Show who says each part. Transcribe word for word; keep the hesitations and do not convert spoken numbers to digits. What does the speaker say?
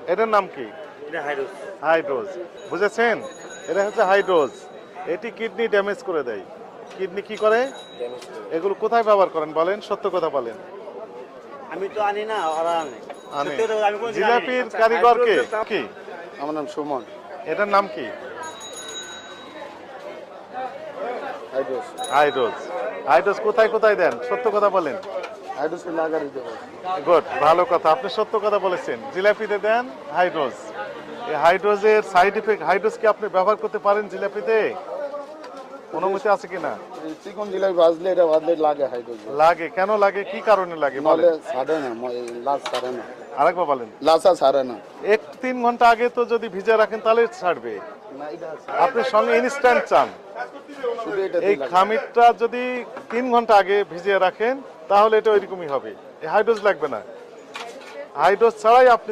Speaker 1: এটার নাম কি?
Speaker 2: এটা হাইড্রোজ।
Speaker 1: হাইড্রোজ, বুঝেছেন? এটা হচ্ছে হাইড্রোজ। এটি কিডনি ড্যামেজ করে দেয়। কিডনি কি করে? এগুলো কোথায় ব্যবহার করেন বলেন, সত্য কথা বলেন।
Speaker 2: আমি তো আনি না, ওরা আনে।
Speaker 1: আনে।
Speaker 2: সত্যি কথা, আমি কোনোদিন আনিনি।
Speaker 1: জিলাপির কারিগর কে? কি?
Speaker 3: আমার নাম সুমন।
Speaker 1: এটার নাম কি?
Speaker 3: হাইড্রোস।
Speaker 1: হাইড্রোজ। হাইড্রোজ কোথায় কোথায় দেন, সত্য কথা বলেন।
Speaker 3: হাইড্রোস লাগারি দেবো।
Speaker 1: গুড, ভালো কথা, আপনি সত্য কথা বলেছেন। জিলাপিতে দেন হাইড্রোজ। এই হাইড্রোজের সাইড ইফেক্ট, হাইড্রোজ কি আপনি ব্যবহার করতে পারেন জিলাপিতে? অনুমতি আছে কিনা?
Speaker 3: চিকন জিলাপি ভাজলে এটা ভাজলে লাগে হাইড্রোস।
Speaker 1: লাগে, কেন লাগে, কি কারণে লাগে
Speaker 3: নলে
Speaker 1: বলেন?
Speaker 3: ছাড়ে না, লাচ ছাড়ে না।
Speaker 1: আরেকবার বলেন।
Speaker 3: লাচা ছাড়ে না।
Speaker 1: এক তিন ঘন্টা আগে তো যদি ভিজে রাখেন তাহলে ছাড়বে।
Speaker 3: না, এটা
Speaker 1: আপনি সঙ্গে ইনস্ট্যান্ট চান।
Speaker 3: শুধু এটা
Speaker 1: এই খামিরটা যদি তিন ঘন্টা আগে ভিজিয়ে রাখেন তাহলে এটা ওইরকমই হবে। এই হাইড্রোজ লাগবে না। হাইড্রোজ ছাড়াই আপনি